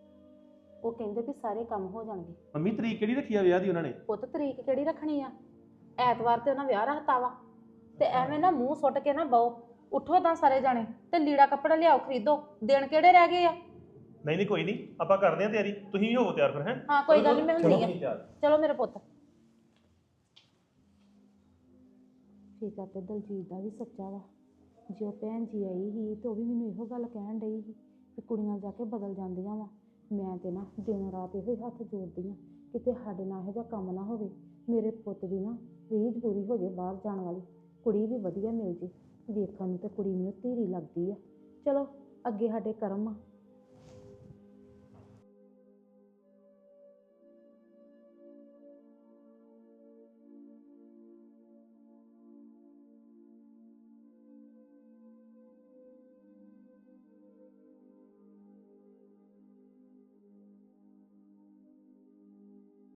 J: ਉਹ ਕਹਿੰਦੇ ਵੀ ਸਾਰੇ ਕੰਮ ਹੋ ਜਾਣਗੇ।
B: ਮੰਮੀ ਤਰੀਕ ਕਿਹੜੀ ਰੱਖੀ ਆ ਵਿਆਹ ਦੀ ਉਹਨਾਂ ਨੇ?
J: ਪੁੱਤ ਤਰੀਕ ਕਿਹੜੀ ਰੱਖਣੀ ਆ? ਐਤਵਾਰ ਤੇ ਉਹਨਾਂ ਵਿਆਹ ਰੱਖਤਾ ਵਾ ਤੇ ਐਵੇਂ ਨਾ ਮੂੰਹ ਸੁੱਟ ਕੇ ਨਾ ਬਹੁ। ਉੱਠੋ ਤਾਂ ਸਾਰੇ ਜਾਣੇ ਤੇ ਲੀੜਾ ਕੱਪੜਾ ਲਿਆਓ, ਖਰੀਦੋ। ਦਿਨ ਕਿਹੜੇ ਰਹਿ ਗਏ ਆ?
B: ਨਹੀਂ ਕੋਈ ਨਹੀਂ, ਆਪਾਂ ਕਰਦੇ ਆਂ ਤਿਆਰੀ, ਤੁਸੀਂ ਵੀ ਹੋਵੋ ਤਿਆਰ ਫਿਰ। ਹੈ
J: ਹਾਂ ਕੋਈ ਗੱਲ ਨਹੀਂ, ਮੈਂ ਹੁੰਦੀ ਆ। ਚਲੋ ਮੇਰੇ ਪੁੱਤ। ਠੀਕ ਆ। ਤੇ ਦਲਜੀਤ ਦਾ ਵੀ ਸੱਚਾ ਵਾ। ਜੇ ਉਹ ਭੈਣ ਜੀ ਆਈ ਸੀ ਤੇ ਉਹ ਵੀ ਮੈਨੂੰ ਇਹੋ ਗੱਲ ਕਹਿਣ ਡਈ ਸੀ ਕਿ ਕੁੜੀਆਂ ਜਾ ਕੇ ਬਦਲ ਜਾਂਦੀਆਂ ਵਾ। ਮੈਂ ਤੇ ਨਾ ਦਿਨ ਰਾਤ ਇਹੋ ਹੀ ਹੱਥ ਜੋੜਦੀ ਆ ਕਿਤੇ ਸਾਡੇ ਨਾਲ ਇਹੋ ਜਿਹਾ ਕੰਮ ਨਾ ਹੋਵੇ। ਮੇਰੇ ਪੁੱਤ ਦੀ ਨਾ ਰੀਝ ਪੂਰੀ ਹੋ ਜੇ, ਬਾਹਰ ਜਾਣ ਵਾਲੀ ਕੁੜੀ ਵੀ ਵਧੀਆ ਮਿਲ ਜੇ। ਵੇਖਣ ਨੂੰ ਤੇ ਕੁੜੀ ਮੈਨੂੰ ਧੀਰੀ ਲੱਗਦੀ ਆ। ਚਲੋ ਅੱਗੇ ਸਾਡੇ ਕਰਮ ਆ,